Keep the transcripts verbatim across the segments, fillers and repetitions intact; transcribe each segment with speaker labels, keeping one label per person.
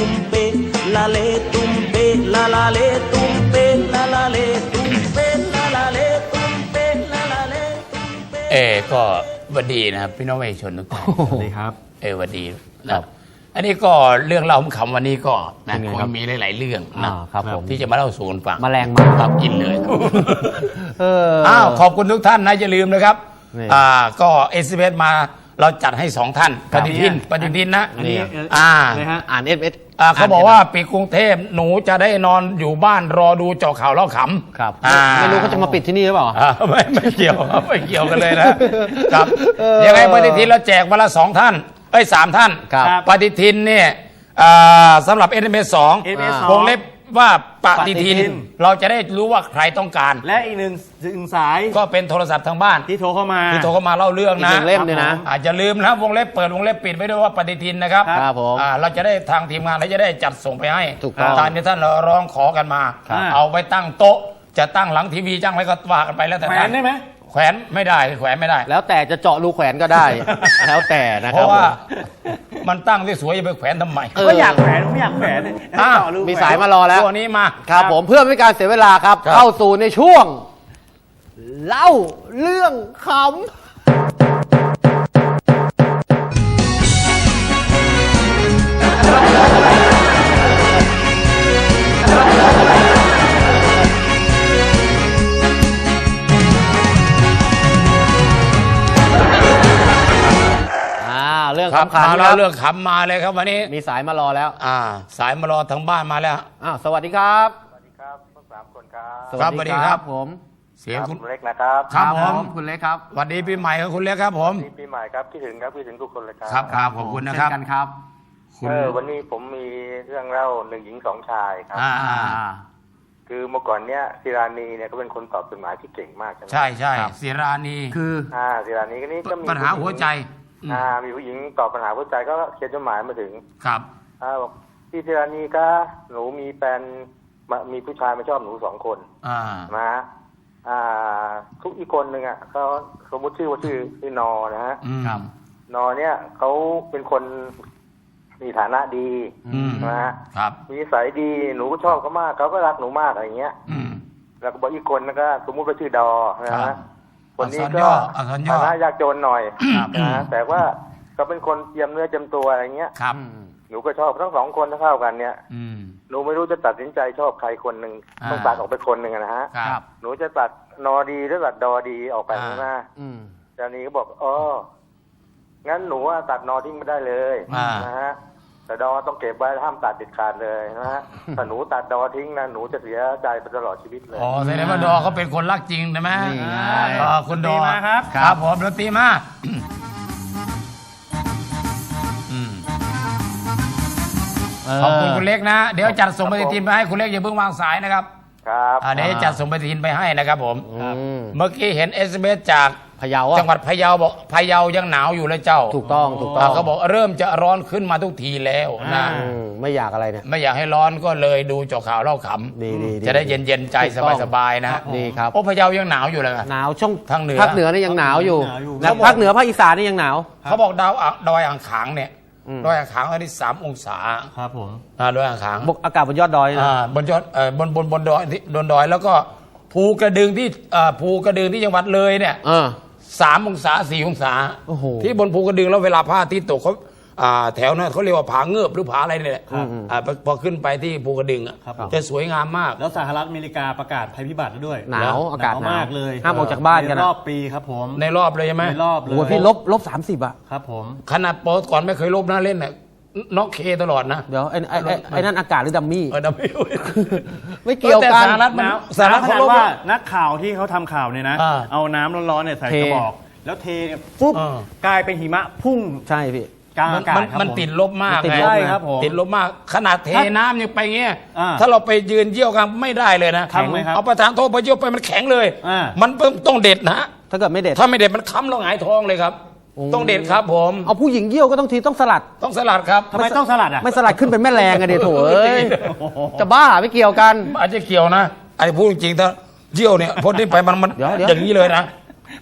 Speaker 1: ตุ้มเปลาเลตุ้มเปลาลาเลตุ้มเปลาลาเลตุ้มเปลาลาเลตุ้มเปลาลาเลตุ้มเปเอก็วันดีนะครับพี่น้องประชาชนทุกท่าน
Speaker 2: สวัสดีครับ
Speaker 1: เออวันดีนะครับอันนี้ก็เรื่องเล่าคำวันนี้ก็นะคงมีหลายๆเรื่องนะครับที่จะมาเล่าสู่กันฟัง
Speaker 2: แมลงมา
Speaker 1: ครับกินเลยอ้าวขอบคุณทุกท่านนะอย่าลืมนะครับอ่าก็เอสเอสมาเราจัดให้สองท่านปฏิทินปฏิทินนะอ่า
Speaker 2: อ่านเอสเอส
Speaker 1: เขาบอกว่าปิดกรุงเทพหนูจะได้นอนอยู่บ้านรอดูเจาะข่าวเล่าขำ
Speaker 2: ครับไม่รู้เขาจะมาปิดที่นี่หรือเปล่า
Speaker 1: ไม่ไม่เกี่ยวครับไม่เกี่ยวกันเลยนะครับยังไงปฏิทินเราแจกวันละสองท่านเอ้ยสามท่านปฏิทินเนี่ยสำหรับ เอส เอ็ม เอส สองวงเล็บว่าปฏิทินเราจะได้รู้ว่าใครต้องการ
Speaker 3: และอีกหนึ่งหนึ่งสาย
Speaker 1: ก็เป็นโทรศัพท์ทางบ้าน
Speaker 3: ที่โทรเข้ามา
Speaker 1: ที่โทรเข้ามาเล่าเรื่องนะ
Speaker 2: เล่มเนี่ยนะ
Speaker 1: อาจจะลืมนะวงเล็บเปิดวงเล็บปิดไว้ด้วยว่าปฏิทินนะครับ
Speaker 2: ครับผม
Speaker 1: เราจะได้ทางทีมงานเราจะได้จัดส่งไปให้
Speaker 2: ถูกต้อง
Speaker 1: ตามที่ท่านร้องขอกันมาเอาไว้ตั้งโต๊ะจะตั้งหลังทีวีจ้างอะไรก็ว่ากันไปแล้วแต่
Speaker 3: แขวนได้ไหม
Speaker 1: แขวนไม่ได้แขวนไม่ได้
Speaker 2: แล้วแต่จะเจาะรูแขวนก็ได้แล้วแต่นะครับ
Speaker 1: เพราะว่ามันตั้งที่สวยจะไปแขวนทำไม
Speaker 3: ก็อยากแขวนไม่อยากแขวน
Speaker 2: มีสายมารอแล้ว
Speaker 1: ตัวนี้มา
Speaker 2: ครับผมเพื่อไม่การเสียเวลาครับเข้าสู่ในช่วงเล่าเรื่องขำเรื่องขำ
Speaker 1: มาแล้วเรื่องขำมาเลยครับวันนี้
Speaker 2: มีสายมารอแล้ว
Speaker 1: อ่าสายมารอทางบ้านมาแล้ว
Speaker 2: อ้าวสวัสดีครับ
Speaker 4: สวัสดีครับทั้งสามคนครับ
Speaker 1: สวัสดีครับ
Speaker 2: ผม
Speaker 1: เสียง
Speaker 4: คุณเล็กนะครับ
Speaker 1: ครับผม
Speaker 2: คุณเล็กครับ
Speaker 1: สวัสดีปีใหม่ครับคุณเล็กครับผม
Speaker 4: ปีใหม่ครับคิดถึงครับคิดถึงทุกคนเลยครับ
Speaker 1: ครับครับขอบคุณนะครับ
Speaker 2: กันครับ
Speaker 4: เออวันนี้ผมมีเรื่องเล่าหนึ่งหญิงสองชายครับ
Speaker 1: อ่า
Speaker 4: คือเมื่อก่อนเนี้ยศิรานีเนี่ยก็เป็นคนตอบจดหมายที่เก่งมากใช่ไหม
Speaker 1: ใช่ใช่ศิรานี
Speaker 2: คือ
Speaker 4: อ่าศิรานีก็นี่ก็มี
Speaker 1: ปัญหาหัวใจ
Speaker 4: อ่ามีผู้หญิงตอบปัญหาหัวใจก็เขียนจดหมายมาถึง
Speaker 1: ครับ
Speaker 4: อ่าบอกพี่ศิรานีก็หนูมีแฟนมีผู้ชายมาชอบหนูสองคน
Speaker 1: อ่า
Speaker 4: นะอ่าทุกอีกคนหนึ่งอ่ะเขาสมมติชื่อว่าชื่อชื่อนอนะฮะ
Speaker 1: ครับ
Speaker 4: นอเนี่ยเขาเป็นคนมีฐานะดีนะฮะ
Speaker 1: ครับ
Speaker 4: มีนิสัยดีหนูก็ชอบเขามากเขาก็รักหนูมากอะไรเงี้ยแล้วก็บอกอีกคนนะก็สมมุติว่าชื่อดอนะฮะคนนี้ก็ฐานะยากจนหน่อยนะแต่ว่าเขาเป็นคนเจียมเนื้อเจียมตัวอะไรเงี้ย
Speaker 1: ครับ
Speaker 4: หนูก็ชอบทั้งสองคนเท่ากันเนี่ยหนูไม่รู้จะตัดสินใจชอบใครคนหนึ่งต้องตัดออกไปคนหนึ่งนะฮะหนูจะตัดนอดีหรือตัดดอดีออกไปนะจานี้ก็บอกอ๋องั้นหนูตัดนอทิ้งไม่ได้เลยนะฮะแต่ดอต้องเก็บไว้ห้ามตัดเด็ดขาดเลยนะฮะถ้าหนูตัดดอทิ้งนะหนูจะเสียใจไปตลอดชีวิตเลย
Speaker 1: อ๋อแสดงว่าดอเขาเป็นคนรักจริงใช่ไหมอ๋อคุณดอ
Speaker 3: มาครับ
Speaker 1: ครับผมดนตรีมาขอบคุณคุณเล็กนะเดี๋ยวจัดส่งปฏิทินไปให้คุณเล็กอย่าเพิ่งวางสายนะครับ
Speaker 4: ครับ
Speaker 1: เดี๋ยวจัดส่งปฏิทินไปให้นะครับผมเมื่อกี้เห็น เอส เอ็ม เอส จาก
Speaker 2: พะเยา
Speaker 1: จังหวัดพะเยาบอกพะเยายังหนาวอยู่เลยเจ้า
Speaker 2: ถูกต้องถูกต้อง
Speaker 1: เขาบอกเริ่มจะร้อนขึ้นมาทุกทีแล้วนะ
Speaker 2: ไม่อยากอะไรเนี่ย
Speaker 1: ไม่อยากให้ร้อนก็เลยดูเจาะข่าวเล่าขำจะได้เย็นๆใจสบายๆนะ
Speaker 2: ดีครับ
Speaker 1: โอ้พะเยายังหนาวอยู่เลย
Speaker 2: หนาวช่วง
Speaker 1: ทางเหนือ
Speaker 2: ภาคเหนือนี่ยังหนาวอยู่แล้วภาคเหนือภาคอีสานนี่ยังหนาว
Speaker 1: เขาบอกดาวดอยอ่างขางเนี่ยดอยอ่างขางอันนี้สามองศา
Speaker 3: ครับผม
Speaker 1: ดอยอ่างขาง
Speaker 2: อากาศบนยอดดอยนะ
Speaker 1: บนยอดบนบนบนดอยบนดอยแล้วก็ภูกระดึงที่ภูกระดึงที่จังหวัดเลยเนี่ยสามองศาสี่องศาที่บนภูกระดึงแล้วเวลาพระอาทิตย์ตกเขาแถวนั้นเขาเรียกว่าผาเงือบหรือผาอะไรเนี่ยพอขึ้นไปที่ภูกระดึงจะสวยงามมาก
Speaker 3: แล้วสหรัฐอเมริกาประกาศภัยพิบัติด้วย
Speaker 2: หนาวอากาศ
Speaker 3: มากเลย
Speaker 2: ห้ามออกจากบ้านกัน
Speaker 3: ในรอบปีครับผม
Speaker 1: ในรอบเลยใช่ไหม
Speaker 3: ในรอบเลย
Speaker 2: โอ้พี่ลบลบสามสิบอะ
Speaker 3: ครับผม
Speaker 1: ขนาดโปสก่อนไม่เคยลบนะเล่นน่ะน็อกเคตลอดนะ
Speaker 2: เดี๋ยวไอ้ไอ้ไอ้นั่นอากาศหรือดัมมี่
Speaker 1: เออดัมมี่
Speaker 2: ไม่เกี่ยวกัน
Speaker 1: สหรัฐมัน
Speaker 3: สหรัฐเขาว่านักข่าวที่เขาทำข่าวเนี่ยนะเอาน้ำร้อนๆเนี่ยใส่กระบอกแล้วเทเนี่ยปุ๊บกลายเป็นหิมะพุ่ง
Speaker 2: ใช่พี่
Speaker 3: กลางอากาศ
Speaker 1: มันติดลบมาก
Speaker 3: ใช่ครับผม
Speaker 1: ติดลบมากขนาดเทน้ำยังไปเงี้ยถ้าเราไปยืนเยี่ยวกันไม่ได้เลยนะเอาประธานโทษไปเยี่ยวไปมันแข็งเลยมันต้องเด็ดนะ
Speaker 2: ถ้าเกิดไม่เด็ด
Speaker 1: ถ้าไม่เด็ดมันค้ำเราหงายท้องเลยครับต้องเด็ดครับผม
Speaker 2: เอาผู้หญิงเยี่ยวก็ต้องทีต้องสลัด
Speaker 1: ต้องสลัดครับ
Speaker 3: ทำไมต้องสลัดอ่ะ
Speaker 2: ไม่สลัดขึ้นเป็นแม่แรงอะเดี๋ยวโถเอ้ยจะบ้าไม่เกี่ยวกัน
Speaker 1: อาจจะเกี่ยวนะไอ้พูดจริงๆถ้าเยี่ยวเนี่ยพ้นนี้ไปมันมันอย่างนี้เลยนะ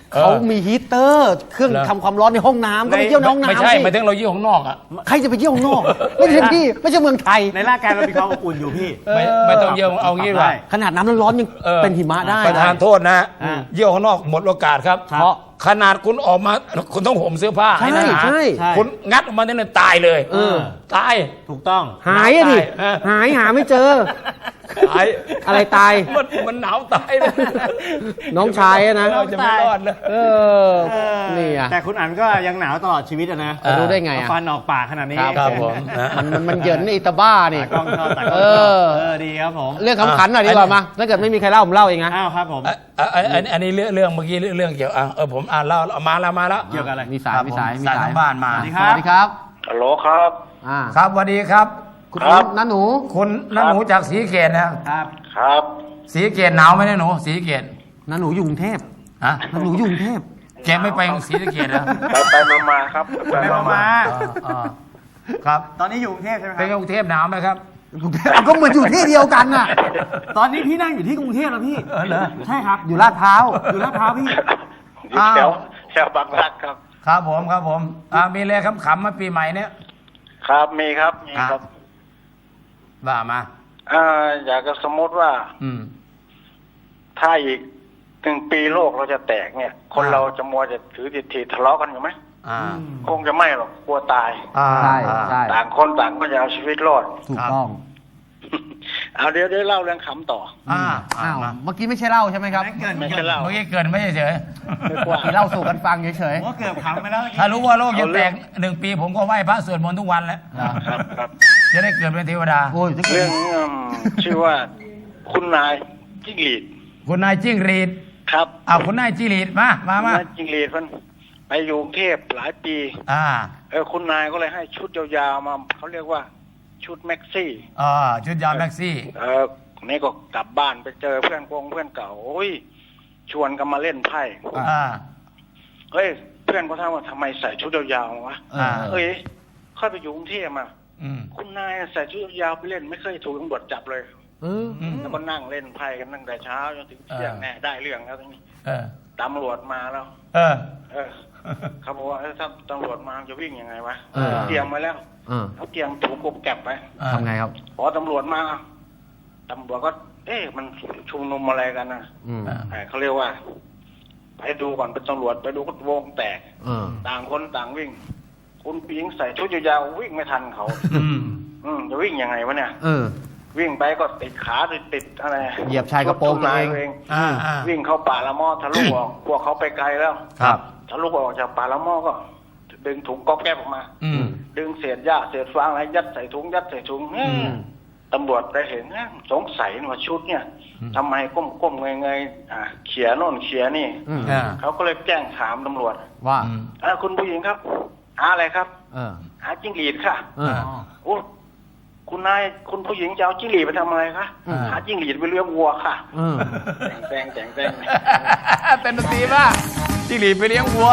Speaker 2: เขามีฮีตเตอร์เครื่อง
Speaker 1: เหรอ
Speaker 2: ทำความร้อนในห้องน้ำก็ไปเยี่ยวในห้องน้ำ
Speaker 1: ไม่ใช่
Speaker 2: สิ
Speaker 1: หมายถึงเราเยี่ยวข้างนอกอ่ะ
Speaker 2: ใครจะไปเยี่ยวข้างนอก ไม่ใช่พี่ไม่ใช่เมืองไทย
Speaker 3: ในร่างกายเรามีความอบอุ่นอยู่พี่
Speaker 1: ไม่ไม่ต้องเยี่ยวเอางี้ดีกว่า
Speaker 2: ขนาดน้ำร้อนๆยัง
Speaker 1: ออ
Speaker 2: เป็นหิมะได้
Speaker 1: ประธานโทษนะ
Speaker 3: อ่า
Speaker 1: เยี่ยวข้างนอกหมดโอกาสครับ
Speaker 2: เพราะ
Speaker 1: ขนาดคุณออกมาคุณต้องห่มเสื้อผ้า
Speaker 2: ใช่
Speaker 1: ให้หนา
Speaker 2: ใช่
Speaker 3: ใช่
Speaker 1: คุณงัดออกมาเนี่ยตายเลย
Speaker 2: เออ
Speaker 1: ตาย
Speaker 3: ถูกต้อง
Speaker 2: หายอะดิ
Speaker 1: เออ
Speaker 2: หายหาไม่เจอ
Speaker 1: ตาย
Speaker 2: อะไรตาย
Speaker 1: มันมันหนาวตายเลย
Speaker 2: น้องชายอะนะ
Speaker 1: เราจะไม่รอดเลย
Speaker 2: เออนี่อะ
Speaker 3: แต่คุณอันก็ยังหนาวตลอดชีวิตอะนะ
Speaker 2: จะรู้ได้ไงอะ
Speaker 3: ฟันออกปากขนาดนี้
Speaker 1: ครับผมนะ
Speaker 2: มันมันมันเหยินไอ้ตาบ้านี่
Speaker 3: ตากล้องชอบตากล้อง
Speaker 2: เอ
Speaker 3: ชอบ
Speaker 2: อ
Speaker 3: เออดีครับผม
Speaker 2: เรื่องขำขันหน่อยดีกว่ามาถ้าเกิดไม่มีใครเล่าผมเล่าเองนะ
Speaker 3: อ้าวครับผม
Speaker 1: อ่ะอ่ะอ่ะอันอันนี้เรื่องเรื่องเมื่อกี้เรื่องเรื่องเกี่ยวอ่ะเออผมอ่านเล่าเอามาแล้วมาแล้ว
Speaker 3: เกี่ยวกับอะไร
Speaker 2: มีสายมีสาย
Speaker 1: ครับผม
Speaker 2: มี
Speaker 1: สายทางบ้านมา
Speaker 3: สวัสดี
Speaker 2: สวัสดีครับ
Speaker 4: ฮัลโหลครับ
Speaker 2: อ่า
Speaker 1: ครับสวัสดีครับ
Speaker 2: คุณ
Speaker 4: ครับ
Speaker 2: น้าหนู
Speaker 1: คุณน้าหนูจากศรีเกตนะครับ
Speaker 4: ครับ
Speaker 1: ศรีเกตหนาวไหมเนี่ยหนูศรีเกต
Speaker 2: น้าหนูอยู่กรุงเทพ
Speaker 1: ฮะ
Speaker 2: น้าหนูอยู่กรุงเทพ
Speaker 1: แกไม่ไปศรีเกตเหรอ
Speaker 4: ไปไปมามาครับ
Speaker 3: ไปมามา
Speaker 1: อ่าอ่าครับ
Speaker 3: ตอนนี้อยู่กรุงเทพใช่ไหมค
Speaker 1: เป็น
Speaker 3: รับ
Speaker 1: กรุงเทพหนาวไหมครับ
Speaker 2: กรุงเทพก็เหมือนอยู่ที่เดียวกันน่ะ
Speaker 3: ตอนนี้พี่นั่งอยู่ที่กรุงเทพแล้วพี่
Speaker 1: เออเหรอ
Speaker 3: ใช่ครับ
Speaker 2: อยู่ลาดพร้าว
Speaker 3: อยู่ลาดพร้าวพี่
Speaker 4: อยู่แถวแถวบางรักครับ
Speaker 1: ครับผมครับผมอ่ามีอะไรขำๆมาปีใหม่เนี้ย
Speaker 4: ครับมีครับมีครับ
Speaker 1: ว่ามา
Speaker 4: อ่าอยากจะสมมติว่า
Speaker 1: อืม
Speaker 4: ถ้าอีกหนึ่งปีโลกเราจะแตกเนี่ย คน
Speaker 1: อ่า
Speaker 4: เราจะมัวจะถือทิฏฐิทะเลาะกันอยู่ไหม
Speaker 1: อ่า
Speaker 4: คงจะไม่หรอกกลัวตาย
Speaker 1: อ่า
Speaker 2: ใช่
Speaker 1: อ่า
Speaker 2: ใช่
Speaker 4: ต่างคนต่างก็จะเอาชีวิตรอด
Speaker 2: ถูกต้อง
Speaker 4: เอาเดี๋ยวเดี๋ยวเล่าเรื่องขำต่อ
Speaker 1: อ่าอ่า
Speaker 2: อ้าว
Speaker 1: มา
Speaker 2: เมื่อกี้ไม่ใช่เล่าใช่ไหมครับ
Speaker 3: ไม่เกิน
Speaker 4: ไม่ใช่เล่า
Speaker 1: เมื่อกี้เกินไม่เฉย
Speaker 4: ไม่กว่า
Speaker 2: ที่เล่าสู่กันฟังเฉย
Speaker 3: ผมว่าเกือบขำไปแล้ว
Speaker 1: ๆถ้ารู้ว่าโลกจะแตกหนึ่งปีผมก็ไหว้พระสวดมนต์ทุกวันแล้ว
Speaker 4: ครับครับ
Speaker 1: จะได้เกิดเป็นเทวดา
Speaker 2: ๆโอ้ยถ้าเกิ
Speaker 4: เรื่
Speaker 2: ด
Speaker 4: องอืมชื่อว่าคุณนายจิ้งหรีด
Speaker 1: คุณนายจิ้งหรีด
Speaker 4: ครับ
Speaker 1: อ่าคุณนายจิ้งหรีดมามา
Speaker 4: คุณ
Speaker 1: มา
Speaker 4: นายจิ้งหรีดมันไปอยู่กรุงเทพหลายปี
Speaker 1: อ่า
Speaker 4: เออคุณนายก็เลยให้ชุดยาวๆมาเขาเรียกว่าชุดแม็กซี่
Speaker 1: อ่าชุดยาวแม็กซี่
Speaker 4: เออนี่ก็กลับบ้านไปเจอเพื่อนกงเพื่อนเก่าโอ้ยชวนกันมาเล่นไพ่
Speaker 1: อ่า
Speaker 4: เฮ้ยเพื่อนก็ถามว่าทำไมใส่ชุดยาวๆวะ
Speaker 1: อ่า
Speaker 4: เอ้ยค่อยไปอยู่กรุงเทพมา
Speaker 1: อืม
Speaker 4: คุณนายใส่ชุดยาวไปเล่นไม่เคยถูกตำรวจจับเลย
Speaker 2: เออ
Speaker 1: อืม
Speaker 4: แล้วก็นั่งเล่นไพ่กันตั้งแต่เช้าจนถึงเที่ยง
Speaker 1: อ่า
Speaker 4: แน่ได้เรื่องแล้วทีนี้
Speaker 1: เออ
Speaker 4: ตำรวจมาแล้ว
Speaker 1: เออ
Speaker 4: เออเขาบอกว่าเอ้ยถ้าตำรวจมาจะวิ่งยังไงวะ
Speaker 2: เออ
Speaker 4: เตรียมไว้แล้ว
Speaker 2: เออ
Speaker 4: เขาเตรียมถูกกบแก็บไป
Speaker 2: ทำไงครับ
Speaker 4: พอตำรวจมาตำรวจก็ เอ๊ะมันชุมนุมอะไรกันนะ
Speaker 2: อืม
Speaker 1: อ่า
Speaker 4: เออเขาเรียกว่า ไปดูก่อนเป็นตำรวจไปดูก็วงแตก
Speaker 2: เออ
Speaker 4: ต่างคนต่างวิ่ง คุณปิงใส่ชุดยาวๆวิ่งไม่ทันเขา
Speaker 1: อืม
Speaker 4: อืมจะวิ่งยังไงวะเนี่ย
Speaker 2: เออ
Speaker 4: วิ่งไปก็ติดขาติดติดอะไร
Speaker 2: เหยียบชายกระโปรงตัวเอง
Speaker 4: ชุดนาย
Speaker 1: อ่าอ่า
Speaker 4: วิ่งเข้าป่าละมอทะลุออก พวกเขาไปไกลแล้ว
Speaker 1: ครับ
Speaker 4: ทะลุออกจากป่าละมอก็ ดึงถุงก๊อบแก๊บออกมา
Speaker 1: อืม
Speaker 4: ดึงเศษหญ้าเศษฟางอะไรยัดใส่ถุงยัดใส่ถุงเอ้ย
Speaker 2: อืม
Speaker 4: ตำรวจไปเห็นเอ้ยสงสัยว่าชุดเนี่ยทำไมก้มก้มเงยเงยๆอ่าเขียโน่นเขียนี่
Speaker 2: อืม
Speaker 1: อ่า
Speaker 4: เขาก็เลยแจ้งถามตำรวจ
Speaker 2: ว่า
Speaker 1: อืม
Speaker 4: อ่าคุณผู้หญิงครับ หาอะไรครับ
Speaker 2: เออ
Speaker 4: หาจิ้งหรีดค่ะ
Speaker 2: เออ
Speaker 4: โอ้คุณนายคุณผู้หญิงจะเอาจิ้งหรีดไปทำอะไรคะ
Speaker 2: อืม
Speaker 4: หาจิ้งหรีดไปเลี้ยงวัวค่ะ
Speaker 2: เออ
Speaker 4: แจงแจงแจง
Speaker 1: เป็นดนตรีป่ะจิ้งหรีดไปเลี้ยงวัว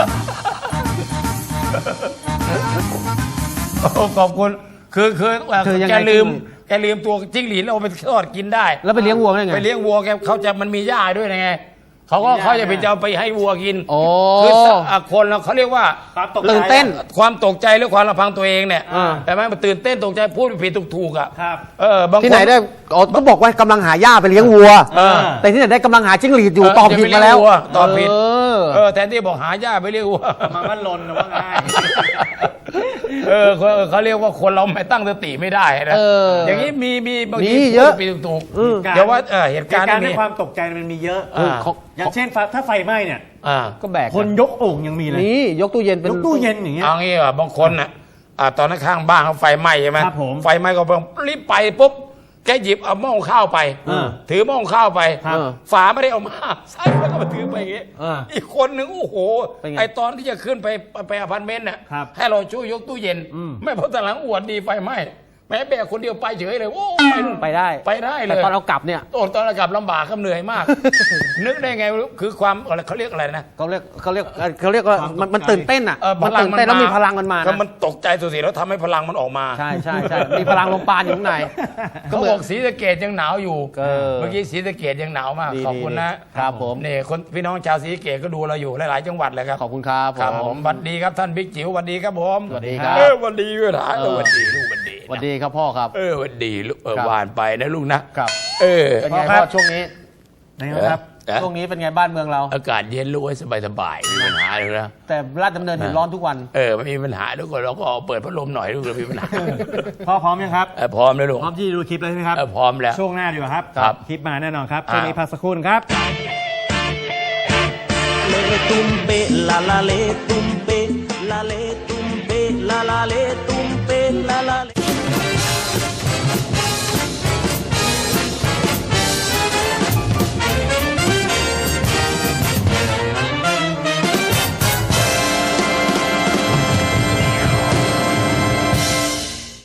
Speaker 1: โอ้ขอบคุณ คือคือเอ่อ
Speaker 2: คือยังไง
Speaker 1: แกลืม
Speaker 2: คือ
Speaker 1: แกลืมตัวจิ้งหรีดแล้วเอาไปทอดกินได้
Speaker 2: แล้วไปเลี้ยงวัวได้ไง
Speaker 1: ไปเลี้ยงวัวแกเขาจะมันมีหญ้าด้วยไงเขาก็
Speaker 3: มีหญ้า
Speaker 1: เขาจะไปจะเอาไปให้วัวกิน
Speaker 2: โอ้
Speaker 1: คืออ่ะคนเราเขาเรียกว่า
Speaker 3: ความตกใจ
Speaker 2: ตื่นเต้น
Speaker 1: ความตกใจหรือความระพังตัวเองเนี่ย
Speaker 2: อ่า
Speaker 1: แต่ไหมมันตื่นเต้นตกใจพูดผิดถูกๆอ่ะ
Speaker 3: ครับ
Speaker 1: เออบางคน
Speaker 2: ที่ไหนได้อ๋อก็บอกว่ากำลังหาหญ้าไปเลี้ยงวัว
Speaker 1: เออ
Speaker 2: แต่ที่ไหนได้กำลังหาจิ้งหรีดอยู่
Speaker 1: เออ
Speaker 2: ตอบผิดมาแล้ว
Speaker 1: จะไปเลี้ยงวัวตอบผิด
Speaker 2: เออ
Speaker 1: เออแทนที่บอกหาหญ้าไปเลี้ยงวัว
Speaker 3: มันก็ลนนะว่าง่าย
Speaker 1: เออเขาเขาเรียกว่าคนเราไม่ตั้งสติไม่ได้นะ
Speaker 2: เอออ
Speaker 1: อย่างนี้มีมีบางที
Speaker 2: มีเยอะ
Speaker 1: พูดผิดถูก
Speaker 2: เออ
Speaker 1: เดี๋ยวว่าเออเหตุ
Speaker 3: เห
Speaker 1: การ
Speaker 3: ตุ
Speaker 1: ณ์
Speaker 3: การณ์
Speaker 1: นี้
Speaker 3: ในความตกใจมันมีเยอะ
Speaker 1: อ่า
Speaker 2: ของ
Speaker 3: อย่างเช่นไฟถ้าไฟไหม้เนี่ย
Speaker 1: อ่า
Speaker 2: ก็แบก
Speaker 3: คนยกโอ่งยังมีเลย
Speaker 2: นี่ยกตู้เย็นเป็น
Speaker 3: ยกตู้เย็นอย่างเงี้ย
Speaker 1: เอางี้อ่ะบางคนน่ะอ่าตอนนั้นข้างบ้านเขาไฟไหม้ใช่ไหม
Speaker 3: ครับผม
Speaker 1: ไฟไหม้ก็รีบไปปุ๊บแกหยิบเอาหม้อข้าวไป
Speaker 3: เออ
Speaker 1: ถือหม้อข้าวไป
Speaker 3: ครับ
Speaker 1: ฝาไม่ได้เอามาใส่แล้วก็มาถือไปอย่างงี้
Speaker 2: เออ
Speaker 1: อีกคนหนึ่งโอ้โห
Speaker 2: เป็นไง
Speaker 1: ไอตอนที่จะขึ้นไปไปอพาร์ตเมนต์น่ะ
Speaker 3: ครับ
Speaker 1: ให้เราช่วยยกตู้เย็น
Speaker 3: อืม
Speaker 1: ไม่เพราะแต่หลังอวดดีไฟไหม้ไปแม้แบกคนเดียวไปเฉยเลยโอ้ย
Speaker 2: ไปได้
Speaker 1: ไปได้เลย
Speaker 2: แต่ตอนเรากลับเนี่ย
Speaker 1: โอ้ตอนเรากลับลำบากครับเหนื่อยมาก นึกได้ไงคือความอะไรเขาเรียกอะไรนะ
Speaker 2: เขาเรียกเขาเรียกเขาเรียกว่ามันมันตื่นเต้นอ่ะ
Speaker 1: เออ
Speaker 2: มันตื่นเต้นแล้วมีพลังมันมา
Speaker 1: ก็
Speaker 2: นะ
Speaker 1: มันตกใจสุดๆแล้วทำให้พลังมันออกมา
Speaker 2: ใช่ใช่ใช่มีพลังลมปราณอยู่ข้างใน
Speaker 1: เขาบอกศรีสะเกดยังหนาวอยู่
Speaker 2: เออ
Speaker 1: เมื่อกี้ศรีสะเกดยังหนาวมาก
Speaker 2: ดี
Speaker 1: ขอบคุณ
Speaker 2: ดี
Speaker 1: นะครับ
Speaker 2: ผม
Speaker 1: นี่คนพี่น้องชาวศรีสะเกดก็ดูเราอยู่หลายๆจังหวัดเลยครับ
Speaker 2: ขอบคุณครับ
Speaker 1: ครับผมสวัสดีครับท่านบิ๊กจิ๋วสวัสดีครับผม
Speaker 2: สวัสดีครับ
Speaker 1: เออสวัสดีด้วยนะเออสวัสดีลูกสวัสดี
Speaker 2: สวัสดีครับพ่อครับ
Speaker 1: เออสวัสดีลูกเออ
Speaker 2: ครับ
Speaker 1: หวานไปนะลูกนะครับ เออ
Speaker 2: เป็นไง
Speaker 3: พ่อครั
Speaker 2: พ่อบ ช่วงนี้
Speaker 3: นะครับ
Speaker 1: เออ
Speaker 2: ช่วงนี้เป็นไงบ้านเมืองเรา
Speaker 1: อากาศเย็นลูกให้สบายๆไม่มีปัญหาเลยนะ
Speaker 2: แต่ราชดำเนินเห็นร้อนทุกวัน
Speaker 1: เออไม่มีปัญหาทุกคนเราก็เปิดพัดลมหน่อยลูกเรามีปัญหา
Speaker 3: พ่อพร้อมยังครับ
Speaker 1: เออพร้อมแล้วลูก
Speaker 3: พร้อมที่จะดูคลิปแล้วใช่ไหมครับ
Speaker 1: เออพร้อมแล้ว
Speaker 3: ช่วงหน้าดีกว่าครับ
Speaker 1: ครับ
Speaker 3: คลิปมาแน่นอนครับ
Speaker 1: อ่า
Speaker 3: ช่วงนี้พักสักครู่ครับ
Speaker 5: le tumbe la la le tumbe la le tumbe la la le tumbe la la le